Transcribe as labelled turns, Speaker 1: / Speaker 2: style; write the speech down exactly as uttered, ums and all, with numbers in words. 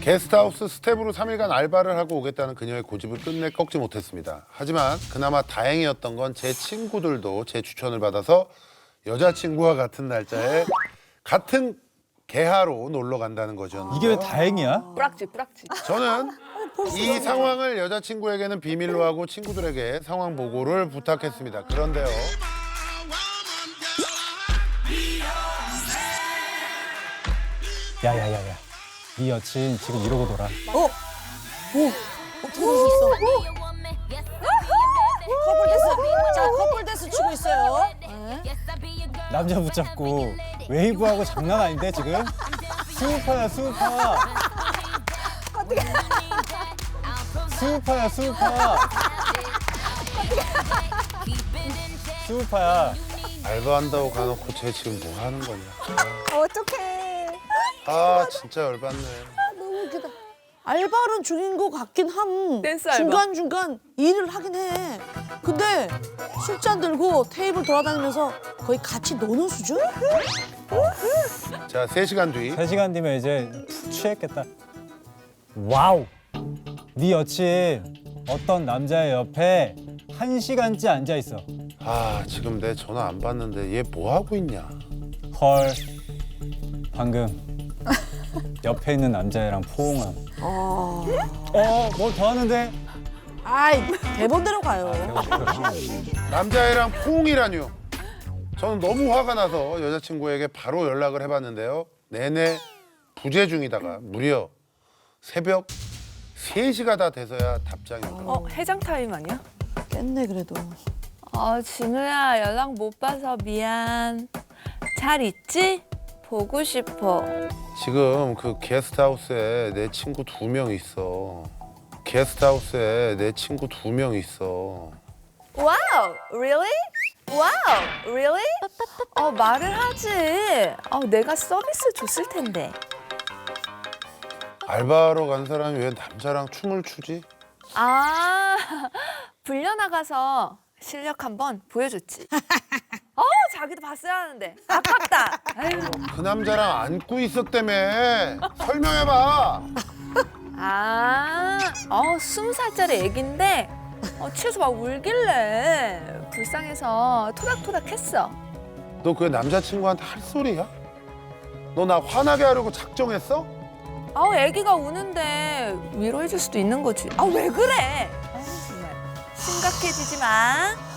Speaker 1: 게스트하우스 스텝으로 삼 일간 알바를 하고 오겠다는 그녀의 고집을 끝내 꺾지 못했습니다. 하지만 그나마 다행이었던 건 제 친구들도 제 추천을 받아서 여자친구와 같은 날짜에 같은 개하로 놀러 간다는 거죠.
Speaker 2: 이게 왜 다행이야?
Speaker 3: 뿌락지 뿌락지.
Speaker 1: 저는 이 상황을 여자친구에게는 비밀로 하고 친구들에게 상황 보고를 부탁했습니다. 그런데요.
Speaker 2: 야야야야, 네 여친 지금 이러고 놀아.
Speaker 4: 어? 오! 어떻게 될 수 있어? 커플 데스! 자, 커플 데스 치고 있어요. 네.
Speaker 2: 남자 붙잡고 웨이브하고 장난 아닌데 지금? 수우파야 수우파. 수우파야 수우파. 수우파야.
Speaker 1: 알바한다고 가놓고 쟤 지금 뭐 하는 거냐.
Speaker 4: 어떡해.
Speaker 1: 아 진짜 열받네.
Speaker 4: 너무 웃기다. 알바는 중인 것 같긴 함.
Speaker 3: 댄스 알바.
Speaker 4: 중간중간 일을 하긴 해. 근데 술잔 들고 테이블 돌아다니면서 거의 같이 노는 수준?
Speaker 1: 자, 세 시간 뒤.
Speaker 2: 세 시간 뒤면 이제 푹 취했겠다. 와우. 네 여친 어떤 남자의 옆에 한 시간째 앉아 있어.
Speaker 1: 아 지금 내 전화 안 받는데 얘 뭐 하고 있냐.
Speaker 2: 헐. 방금 옆에 있는 남자애랑 포옹함.
Speaker 4: 어.
Speaker 2: 어, 뭘 더 하는데?
Speaker 4: 아이, 대본대로 가요.
Speaker 1: 남자애랑 포옹이라뇨. 저는 너무 화가 나서 여자친구에게 바로 연락을 해봤는데요. 내내 부재 중이다가 무려 새벽 세 시가 다 돼서야 답장이 오더라고요.
Speaker 3: 어 해장 타임 아니야?
Speaker 4: 깼네, 그래도.
Speaker 3: 어 진우야 연락 못 봐서 미안. 잘 있지? 보고 싶어.
Speaker 1: 지금 그 게스트하우스에 내 친구 두 명 있어. 게스트하우스에 내 친구 두 명 있어.
Speaker 3: 와우, really? 와우, really? 어 말을 하지. 어 내가 서비스 줬을 텐데.
Speaker 1: 알바하러 간 사람이 왜 남자랑 춤을 추지?
Speaker 3: 아 불려 나가서 실력 한번 보여줬지. 어 자기도 봤어야 하는데 아깝다. 아유.
Speaker 1: 그 남자랑 안고 있었다며. 설명해봐.
Speaker 3: 아, 어 스무 살짜리 애긴데 어, 취해서 막 울길래 불쌍해서 토닥토닥했어.
Speaker 1: 너 그 남자친구한테 할 소리야? 너 나 화나게 하려고 작정했어?
Speaker 3: 아우 애기가 우는데 위로해줄 수도 있는 거지. 아 왜 그래? 아유, 정말 심각해지지 마.